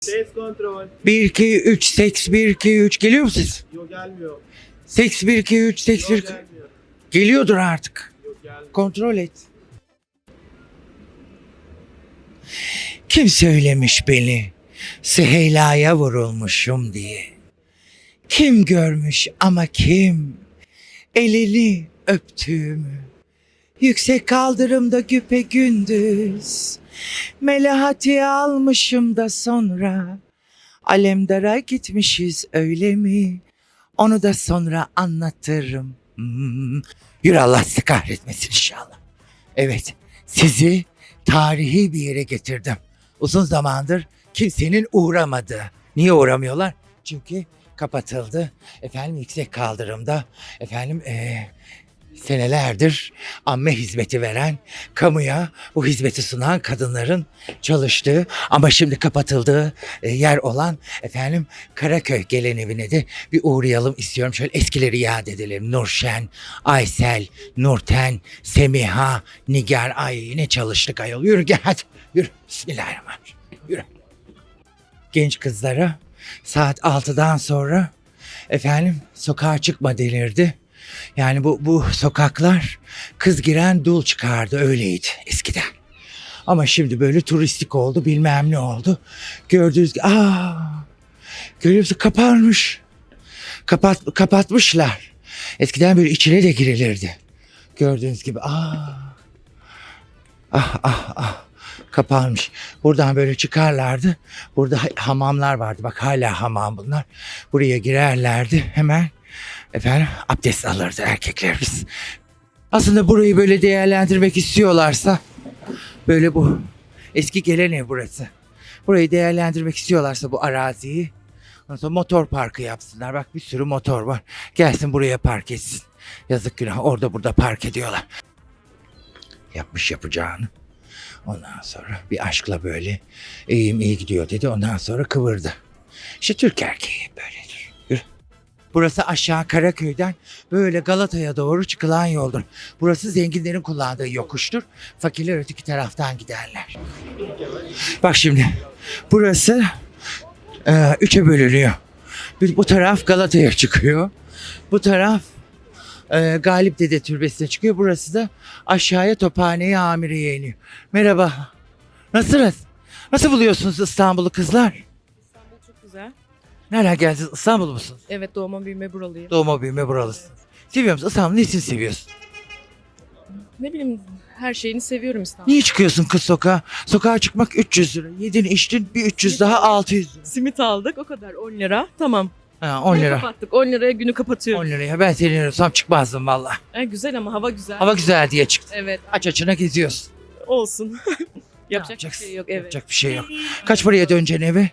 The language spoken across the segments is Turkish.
Ses kontrol. 1 2 3 seks 1 2 3 geliyor mu siz? Yok gelmiyor. Seks 1 2 3 seks 1 Yok gelmiyor. geliyordur artık. Yok gelmiyor. Kontrol et. Kim söylemiş beni Süheyla'ya vurulmuşum diye? Kim görmüş ama kim elini öptüğümü? Yüksek kaldırımda güpegündüz Melahati almışım da sonra Alemdar'a gitmişiz öyle mi? Onu da sonra anlatırım. Yürü Allah sizi kahretmesin inşallah. Evet, sizi tarihi bir yere getirdim. Uzun zamandır kimsenin uğramadığı. Niye uğramıyorlar? Çünkü kapatıldı. Efendim yüksek kaldırımda senelerdir amme hizmeti veren, kamuya bu hizmeti sunan kadınların çalıştığı ama şimdi kapatıldığı yer olan Karaköy gelen evine de bir uğrayalım istiyorum. Şöyle eskileri yad edelim. Nurşen, Aysel, Nurten, Semiha, Nigar. Ay ne çalıştık ayol. Yürü gel hadi. Yürü. Bismillahirrahmanirrahim. Yürü. Genç kızlara saat 6'dan sonra sokağa çıkma denirdi. Yani bu sokaklar kız giren dul çıkardı öyleydi eskiden. Ama şimdi böyle turistik oldu bilmem ne oldu. Gördüğünüz gibi görüyor musun kapanmış. Kapatmışlar. Eskiden böyle içine de girilirdi. Gördüğünüz gibi kapanmış. Buradan böyle çıkarlardı. Burada hamamlar vardı. Bak hala hamam bunlar. Buraya girerlerdi hemen. Abdest alırdı erkeklerimiz. Aslında burayı böyle değerlendirmek istiyorlarsa böyle bu eski gelen ev burası. Burayı değerlendirmek istiyorlarsa bu araziyi ondan sonra motor parkı yapsınlar. Bak bir sürü motor var. Gelsin buraya park etsin. Yazık günah orada burada park ediyorlar. Yapmış yapacağını. Ondan sonra bir aşkla böyle iyi gidiyor dedi. Ondan sonra kıvırdı. İşte Türk erkeği böyledir. Yürü. Burası aşağı Karaköy'den böyle Galata'ya doğru çıkılan yoldur. Burası zenginlerin kullandığı yokuştur. Fakirler öteki taraftan giderler. Bak şimdi burası üçe bölünüyor. Bu taraf Galata'ya çıkıyor. Bu taraf Galip Dede Türbesi'ne çıkıyor. Burası da aşağıya Tophane'ye Amire'ye iniyor. Merhaba. Nasılsınız? Nasıl buluyorsunuz İstanbul'u kızlar? İstanbul çok güzel. Nereden geldiniz? İstanbul musunuz? Evet, doğma büyüme buralıyım. Doğma büyüme buralısın. Seviyor musun? İstanbul'u nesini seviyorsun? Ne bileyim, her şeyini seviyorum İstanbul. Niye çıkıyorsun kız sokağa? Sokağa çıkmak 300 lira. Yedin içtin bir 300 daha 600 lira. Simit aldık, o kadar, 10 lira. Tamam. Ha, 10 Günü lira. kapattık, 10 liraya günü 10 kapatıyoruz. liraya ben senin olsam çıkmazdım valla. Güzel ama hava güzel. Hava güzel diye çıktın. Evet, Aç açına geziyorsun. olsun. Yapacak bir Yapacaksın? şey yok, evet. Yapacak bir şey yok. Kaç paraya döneceksin eve?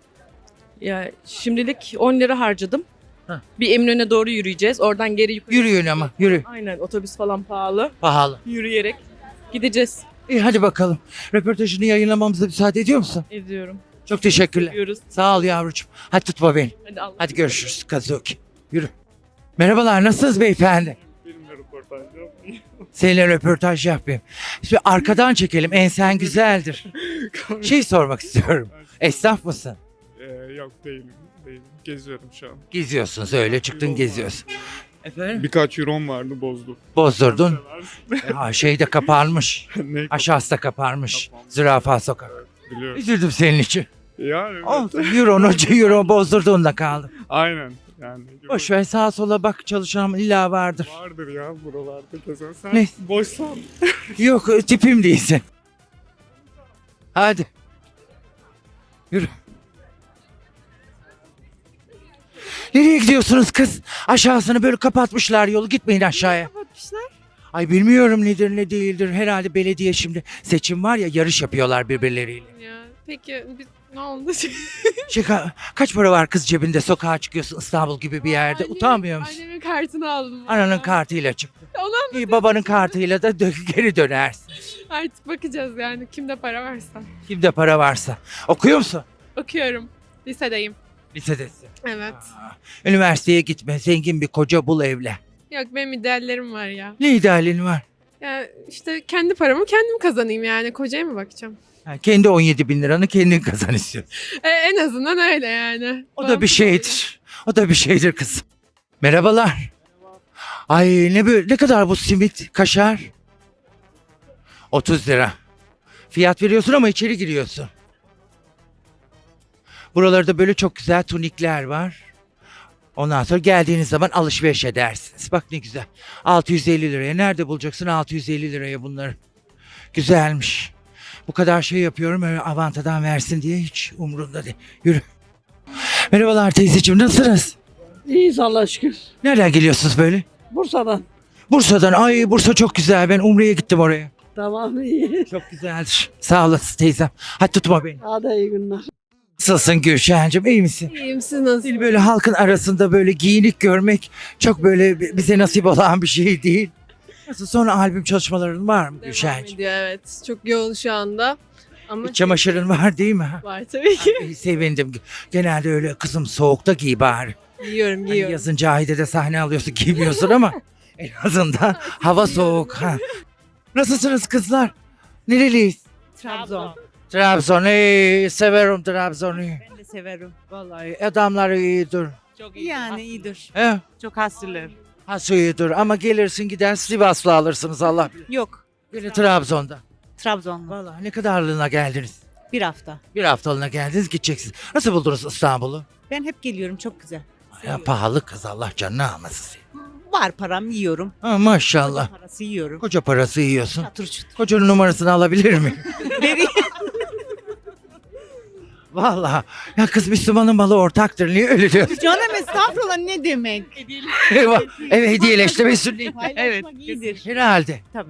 Ya şimdilik 10 lira harcadım. Heh. Bir Eminönü'ne doğru yürüyeceğiz. Oradan geri yukarı. Yürüyün ama yürü. Aynen, otobüs falan pahalı. Pahalı. Yürüyerek gideceğiz. İyi hadi bakalım. Röportajını yayınlamamıza müsaade ediyor musun? Ediyorum. Çok teşekkürler. Seviyoruz. Sağ ol yavrucuğum. Hadi tutma beni. Hadi Allah. Hadi görüşürüz Kazuki. Yürü. Merhabalar nasılsınız beyefendi? Benimle röportaj yapmayın. Seninle röportaj yapayım. Şimdi arkadan çekelim. Ensen güzeldir. Şey sormak istiyorum. Esnaf mısın? Yok değilim. Geziyorum şu an. Geziyorsunuz öyle çıktın geziyorsun. Efendim? Birkaç euron vardı bozdum. Bozdurdun. Şey de kapanmış. Ne? Aşağısı da kapanmış. Kapanmış. Zürafa sokak. Biliyorum. Üzüldüm senin için. Yani Olsun. Euro bozdurduğunda kaldım. aynen. Yani. Boş ver sağa sola bak çalışan illa vardır. Vardır ya buralarda kesin. Sen Ne? boşsan. Yok tipim değilsin. Hadi. Yürü. Nereye gidiyorsunuz kız? Aşağısını böyle kapatmışlar yolu gitmeyin aşağıya. Kapatmışlar. Ay bilmiyorum nedir ne değildir. Herhalde belediye şimdi seçim var ya yarış yapıyorlar birbirleriyle. Ya peki ne oldu? Kaç para var kız cebinde sokağa çıkıyorsun İstanbul gibi bir yerde utanmıyor musun? Annemin kartını aldım. Ananın valla. kartıyla çıktı. Ona İyi babanın kartıyla da geri dönersin. artık bakacağız yani kimde para varsa. Kimde para varsa. Okuyor musun? Okuyorum. Lisedeyim. Lisedesin. Evet. Üniversiteye gitme. Zengin bir koca bul evle. Yok benim ideallerim var ya. Ne idealin var? Ya işte kendi paramı kendim kazanayım yani. Kocaya mı bakacağım? Ha, kendi 17 bin liranı kendin kazan istiyorsun. En azından öyle yani. O da bir şeydir. O da bir şeydir kızım. Merhabalar. Ay ne kadar bu simit, kaşar? 30 lira. Fiyat veriyorsun ama içeri giriyorsun. Buralarda böyle çok güzel tunikler var. Ondan sonra geldiğiniz zaman alışveriş edersiniz. Bak ne güzel. 650 liraya. Nerede bulacaksın 650 liraya bunları? Güzelmiş. Bu kadar şey yapıyorum öyle avantadan versin diye hiç umurumda değil. Yürü. Merhabalar teyzeciğim, nasılsınız? İyiyiz Allah'a şükür. Nereden geliyorsunuz böyle? Bursa'dan. Bursa'dan. Ay Bursa çok güzel. Ben Umre'ye gittim oraya. Tamam iyi. Çok güzeldir. Sağ olasın teyzem. Hadi tutma beni. Hadi iyi günler. Nasılsın Gülşen'cim, iyi misin? İyiyim, siz nasılsınız? Seni böyle halkın arasında böyle giyinik görmek çok böyle bize nasip olan bir şey değil. Nasıl, sonra albüm çalışmaların var mı Devam Gülşen'cim? ediyor, evet. Çok yoğun şu anda. Ama İç çamaşırın var değil mi? var tabii ki. Ay, sevindim. Genelde öyle kızım soğukta giy bari. Giyiyorum, Hani giyiyorum. yazın Cahide'de sahne alıyorsun giymiyorsun ama en azından hava soğuk. Ha. Nasılsınız kızlar? Nereliyiz? Trabzon. Trabzon. Severim Trabzon'u. Ben de severim. Vallahi adamlar iyidir. Çok iyi. Yani iyidir. He? Çok hasırlar. Has iyidir ama gelirsin gider Sivaslı alırsınız Allah bilir. Yok. Böyle Trabzon'da. Trabzon. Vallahi ne kadarlığına geldiniz? Bir hafta. Bir haftalığına geldiniz gideceksiniz. Nasıl buldunuz İstanbul'u? Ben hep geliyorum. Çok güzel. Ya pahalı kız, Allah canını almasın seni. Var param yiyorum. Ha, maşallah. Parası yiyorum. Koca parası yiyorsun. Çatır çutur. Kocanın numarasını alabilir miyim? Vereyim. Vallahi. Ya kız Müslümanın malı ortaktır. Niye öyle diyorsun? Canım estağfurullah ne demek? Evet, hediyeleştirme sünnet. Evet. iyidir. Herhalde. Tabii.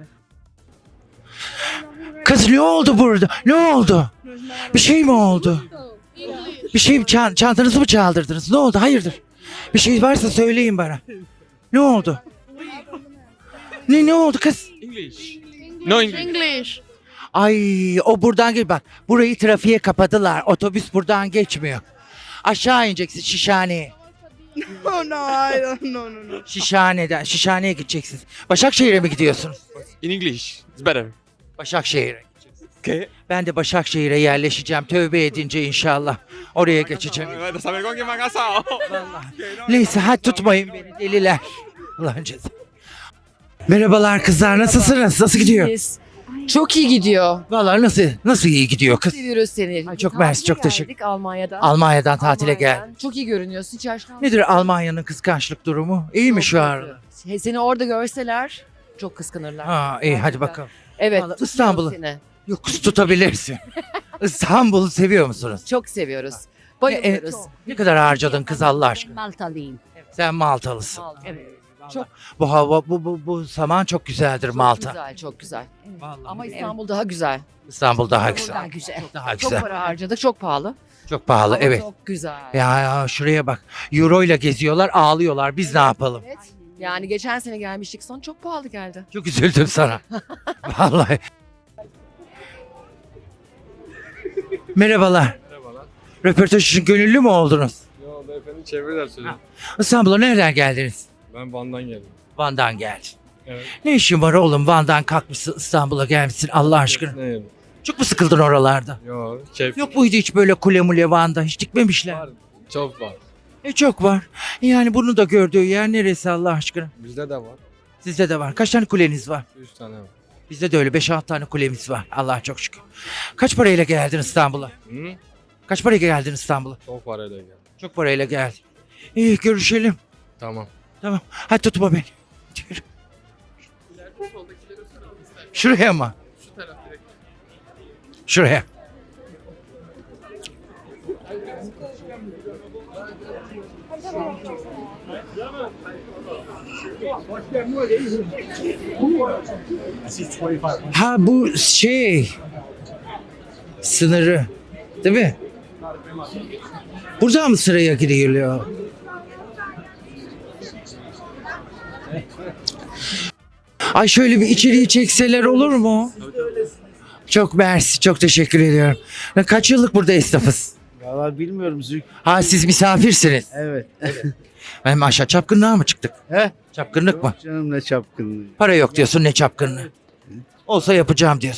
Kız ne oldu burada? Ne oldu? Bir şey mi oldu? Bir şey mi çantanızı mı çaldırdınız? Ne oldu? Hayırdır? Bir şey varsa söyleyin bana. Ne oldu? Ne oldu kız? No English. English. Ay o buradan gel bak. Burayı trafiğe kapadılar. Otobüs buradan geçmiyor. Aşağı ineceksin Şişhane'ye. No. Şişhane'den. Şişhane'ye gideceksiniz. Başakşehir'e mi gidiyorsunuz? In English. It's better. Başakşehir'e. Okay. Ben de Başakşehir'e yerleşeceğim. Tövbe edince inşallah. Oraya geçeceğim. Saber con quién me ha casado. Neyse hadi tutmayın beni deliler. Ulan ceza. Merhabalar kızlar, nasılsınız? Nasıl gidiyor? Biz. Çok iyi gidiyor. Vallahi nasıl iyi gidiyor kız? Seviyoruz seni. Ay, çok mersi, çok Tatile teşekkür- geldik Almanya'dan. Almanya'dan tatile Almanya'dan. gel. Çok iyi görünüyorsun. Hiç yaşlanmadın. Nedir Almanya'nın kıskançlık durumu? İyi mi şu an? Seni orada görseler çok kıskanırlar. Ha iyi hadi bakalım. Evet. Vallahi tutuyoruz İstanbul'u. seni. Yok kız tutabilirsin. İstanbul'u seviyor musunuz? Çok seviyoruz. Bayılıyoruz. Ne kadar harcadın kız Allah aşkına? Maltalıyım. Sen Maltalısın. Evet. Çok Bu hava bu zaman çok güzeldir Malta. güzel, çok güzel. Vallahi Ama İstanbul daha güzel. İstanbul daha güzel. Daha güzel. Daha Çok güzel. para harcadık, çok pahalı. Çok pahalı Ama evet. Çok güzel. Ya şuraya bak. Euro ile geziyorlar, ağlıyorlar. Biz ne yapalım? Evet. Yani geçen sene gelmiştik son çok pahalı geldi. Çok üzüldüm sana. Vallahi. Merhabalar. Merhabalar. Röportaj için gönüllü mü oldunuz? Yo beyefendi çeviriler sözü. İstanbul'a nereden geldiniz? Ben Van'dan geldim. Van'dan geldin. Evet. Ne işin var oğlum? Van'dan kalkmışsın İstanbul'a gelmişsin Allah aşkına. Ne yedim? Çok mu sıkıldın oralarda? Yo keyif. Yok muydu hiç böyle kule mule Van'da? Hiç dikmemişler. Var. Çok var. Çok var. Yani bunu da gördüğü yer neresi Allah aşkına? Bizde de var. Sizde de var. Kaç tane kuleniz var? 3 tane var. Bizde de öyle 5-6 tane kulemiz var. Allah'a çok şükür. Kaç parayla geldin İstanbul'a? Hı? Kaç parayla geldin İstanbul'a? Çok parayla geldim. Çok parayla geldin. İyi görüşelim. Tamam. Tamam. Hadi tutma beni. Yürü. Şuraya mı? Şuraya. Ha bu şey sınırı değil mi? Burada mı sıraya giriliyor? Ay şöyle bir içeriği çekseler olur mu? Çok mersi, çok teşekkür ediyorum. Kaç yıllık burada esnafız? Valla bilmiyorum Zülk. Ha siz misafirsiniz. Evet. Hem aşağı çapkınlığa mı çıktık? He? Çapkınlık mı? Canım ne çapkınlığı. Para yok diyorsun ne çapkınlığı. Olsa yapacağım diyorsun.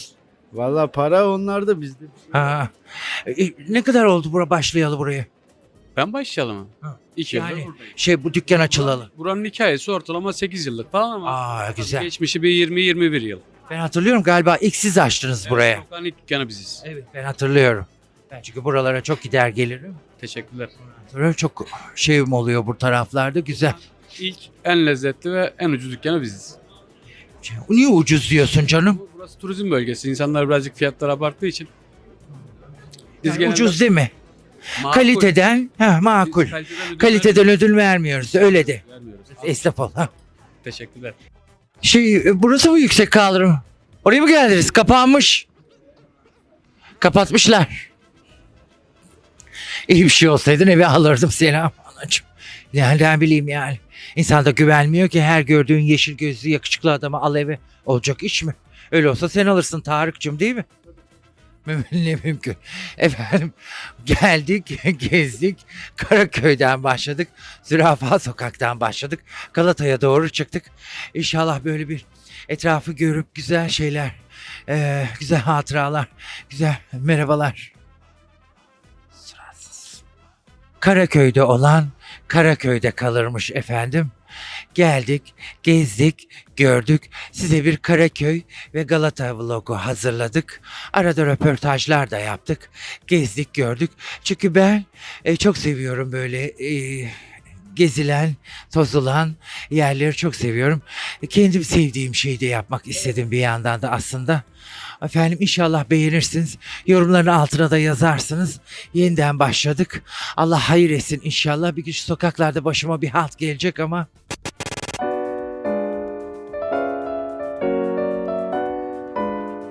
Valla para onlar da bizde. Ha. Ne kadar oldu başlayalı buraya? Ben başlayalım mı? Ha. 2 Yani yıldır buradayım. bu dükkan açılalı. Buranın hikayesi ortalama 8 yıllık falan ama Aa güzel. geçmişi bir 20-21 yıl. Ben hatırlıyorum galiba ilk siz açtınız buraya. Sokağın ilk dükkanı biziz. Evet ben hatırlıyorum. Ben çünkü buralara çok gider gelirim. Teşekkürler. Böyle çok şeyim oluyor bu taraflarda güzel. İlk, en lezzetli ve en ucuz dükkanı biziz. Niye ucuz diyorsun canım? Burası turizm bölgesi. İnsanlar birazcık fiyatları abarttığı için. Biz Yani genelde ucuz değil mi? makul- Kaliteden makul. Biz Kaliteden ödül vermiyoruz öyle de. vermiyoruz. Esnaf ol. Ha. Teşekkürler. Burası mı yüksek kaldırım? Oraya mı geldiniz? Kapanmış. Kapatmışlar. İyi bir şey olsaydın eve alırdım seni anacığım. Yani ne bileyim yani. İnsan da güvenmiyor ki her gördüğün yeşil gözlü yakışıklı adamı al eve. Olacak iş mi? Öyle olsa sen alırsın Tarık'cığım değil mi? Ne mümkün. Efendim geldik, gezdik. Karaköy'den başladık. Zürafa Sokak'tan başladık. Galata'ya doğru çıktık. İnşallah böyle bir etrafı görüp güzel şeyler, güzel hatıralar, güzel merhabalar. Suratsız. Karaköy'de olan Karaköy'de kalırmış efendim. Geldik, gezdik, gördük. Size bir Karaköy ve Galata vlogu hazırladık. Arada röportajlar da yaptık. Gezdik, gördük. Çünkü ben çok seviyorum böyle gezilen, tozulan yerleri çok seviyorum. Kendim sevdiğim şeyi de yapmak istedim bir yandan da aslında. Efendim inşallah beğenirsiniz. Yorumların altına da yazarsınız. Yeniden başladık. Allah hayır etsin inşallah. Bir gün şu sokaklarda başıma bir halt gelecek ama